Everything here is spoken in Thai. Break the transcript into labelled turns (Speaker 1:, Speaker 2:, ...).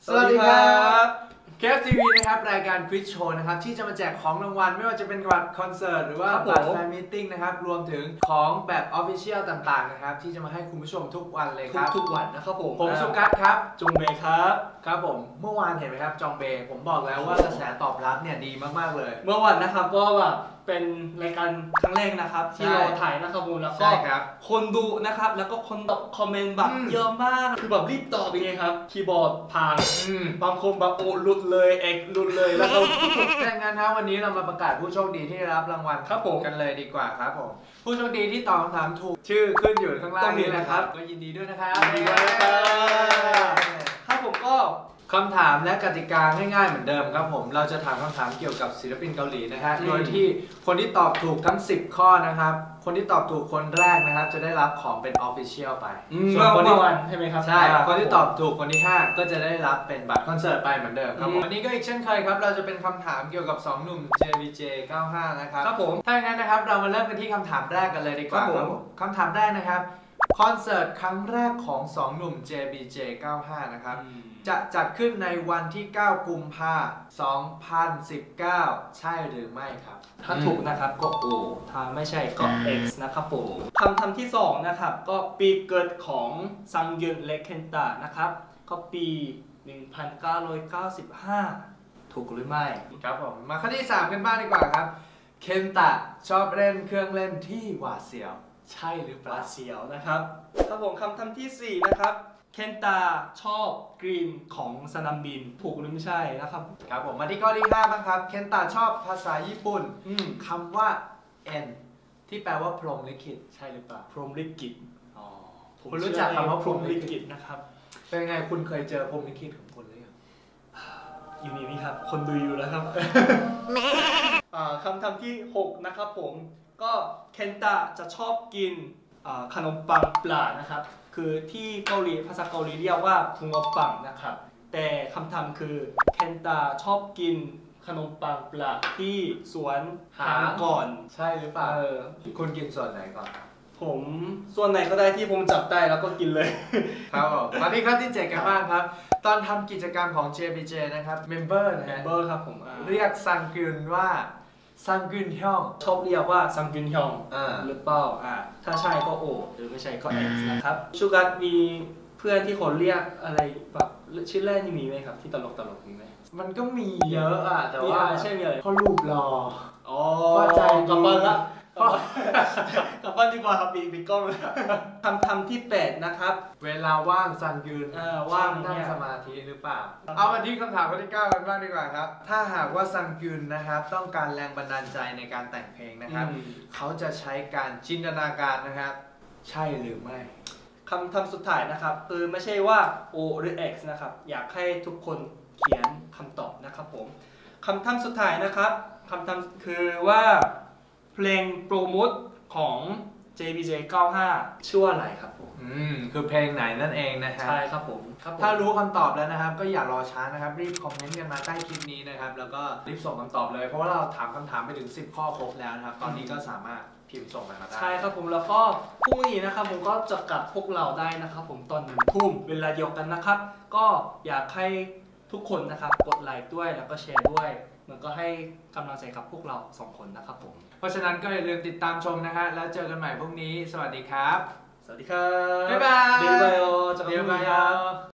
Speaker 1: สวัสดีครับเคฟทีวีนะครับรายการควิซโชว์นะครับที่จะมาแจกของรางวัลไม่ว่าจะเป็นบัตรคอนเสิร์ตหรือว่าบัตรแฟนมีตติ้งนะครับรวมถึงของแบบออฟฟิเชียลต่างๆนะครับที่จะมาให้คุณผู้ชมทุกวันเลยครับ
Speaker 2: ทุกวันนะครับผม
Speaker 1: สุกัสครับ
Speaker 2: จงเบย์ครับ
Speaker 1: ผมเมื่อวานเห็นไหมครับจองเบย์ผมบอกแล้วว่ากระแสตอบรับเนี่ยดีมากๆเลย
Speaker 2: เมื่อวันนะครับก็แบบเป็นรายการครั้งแรกนะครับที่เราถ่ายนะครับผมแล้วก็คนดูนะครับแล้วก็คนตอบคอมเมนต์แบบเยอะมากคือแบบรีบตอบยังไงครับคีย์บอร์ดพังบางคนแบบโอ้หลุดเลยเอกหลุดเลยแล้วก็
Speaker 1: แต่งั้นนะวันนี้เรามาประกาศผู้โชคดีที่ได้รับรางวัล
Speaker 2: ครับผม
Speaker 1: กันเลยดีกว่าครับผมผู้โชคดีที่ตอบคำถามถูกชื่อขึ้นอยู่ข้างล่างนี้นะครับก็ยินดีด้วยนะครับ
Speaker 2: ยินดีด้วยนะครับครับผมก็
Speaker 1: คำถามและกติกาง่ายๆเหมือนเดิมครับผมเราจะถามคำถามเกี่ยวกับศิลปินเกาหลีนะฮะโดยที่คนที่ตอบถูกทั้ง10ข้อนะครับคนที่ตอบถูกคนแรกนะครับจะได้รับของเป็นออฟฟิเชียลไป
Speaker 2: ส่วนคนที่ใช่ไหมครับ
Speaker 1: ใช่คนที่ตอบถูกคนที่5ก็จะได้รับเป็นบัตรคอนเสิร์ตไปเหมือนเดิมครับวันนี้ก็อีกเช่นเคยครับเราจะเป็นคำถามเกี่ยวกับ2หนุ่ม JBJ 95นะครับ
Speaker 2: ครับผม
Speaker 1: ถ้าอย่างนั้นนะครับเรามาเริ่มกันที่คำถามแรกกันเลยดีกว่าครับผมคำถามแรกนะครับคอนเสิร์ตครั้งแรกของ2หนุ่ม JBJ 95นะครับจะจัดขึ้นในวันที่9กุมภาพันธ์2019ใช่หรือไม่ครับ
Speaker 2: ถ้าถูกนะครับก็ O ถ้าไม่ใช่ก็ X นะครับผมคำถามที่2นะครับก็ปีเกิดของซังยุนและเคนตะนะครับก็ปี 1995 ถูกหรือไม่
Speaker 1: ครับผมมาข้อที่3กันบ้างดีกว่าครับเคนตะชอบเล่นเครื่องเล่นที่หวาดเสียวใช่หรือเปล่า
Speaker 2: เสียวนะครับครับผมคำถามที่4นะครับเคนตาชอบกรีนของสนามบินถูกหรือไม่ใช่นะครับ
Speaker 1: ครับผมมาที่ข้อที่5บ้างครับเคนตาชอบภาษาญี่ปุ่นคำว่า N ที่แปลว่าพรหมลิขิตใช่หรือเปล่า
Speaker 2: พรหมลิขิต
Speaker 1: คุณรู้จักคำว่า
Speaker 2: พรหมลิขิตนะครับ
Speaker 1: เป็นไงคุณเคยเจอพรหมลิขิตของคนหรือยัง
Speaker 2: อยู่นี่ครับคนดูอยู่แล้วครับคำถามที่6นะครับผมก็เคนตาจะชอบกินขนมปังปลานะครับคือที่เกาหลีภาษาเกาหลีเรียกว่าพุงอปังนะครับแต่คำถามคือเคนตาชอบกินขนมปังปลาที่สวนหางก่อน
Speaker 1: ใช่หรือเปล่าคุณกินส่วนไหนก่อน
Speaker 2: ผมส่วนไหนก็ได้ที่ผมจับได้แล้วก็กินเลย
Speaker 1: ครับมาที่ข้อที่7กันบ้างครับตอนทำกิจกรรมของ JBJ นะครับเมมเบอร์
Speaker 2: ครับผม
Speaker 1: เรียกซังกึนว่าซังกึนฮยอง
Speaker 2: ชอบเรียกว่าซังกึนฮยองหรือเปล่าถ้าใช่ก็โอหรือไม่ใช่ก็ X นะครับชูการ์มีเพื่อนที่คนเรียกอะไรแบบชื่อแรกนี่มีไหมครับที่ตลกมีไหม
Speaker 1: มันก็มีเยอะแต่ว่า
Speaker 2: ใช่มีอะไร
Speaker 1: เพราะรูปหล่อ
Speaker 2: ก็ใจกับบ้านละกลับบ้านดีกว่าครับปีกล้องทำที่8นะครับ
Speaker 1: เวลาว่างซังยืน
Speaker 2: ว่าง
Speaker 1: นั่งสมาธิหรือเปล่าเอามาที่คำถามข้อที่9กันบ้างดีกว่าครับถ้าหากว่าซังยืนนะครับต้องการแรงบันดาลใจในการแต่งเพลงนะครับเขาจะใช้การจินตนาการนะครับใช่หรือไม่
Speaker 2: คำถามสุดท้ายนะครับคือไม่ใช่ว่า O หรือ X นะครับอยากให้ทุกคนเขียนคำตอบนะครับผมคำถามสุดท้ายนะครับคำถามคือว่าเพลงโปรโมทของ JBJ 95ชื่อว่าอะไรครับผม
Speaker 1: คือเพลงไหนนั่นเองนะฮะ
Speaker 2: ใช่ครับผม
Speaker 1: ถ้ารู้คำตอบแล้วนะครับก็อย่ารอช้านะครับรีบคอมเมนต์กันมาใต้คลิปนี้นะครับแล้วก็รีบส่งคำตอบเลยเพราะว่าเราถามคำถามไปถึง10ข้อครบแล้วนะครับตอนนี้ก็สามารถพิมพ์ส่งกันมาได้
Speaker 2: ใช่ครับผมแล้วก็พรุ่งนี้นะครับผมก็จะกลับพวกเราได้นะครับผมตอน1 ทุ่มเวลาเดียวกันนะครับก็อยากให้ทุกคนนะครับกดไลค์ด้วยแล้วก็แชร์ด้วยมันก็ให้กำลังใจกับพวกเรา2 คนนะครับผม
Speaker 1: เพราะฉะนั้นก็อย่าลืมติดตามชมนะฮะแล้วเจอกันใหม่พรุ่งนี้สวัสดีครับ
Speaker 2: สวัสดีครับ
Speaker 1: บ๊ายบาย
Speaker 2: เดี๋ยวไป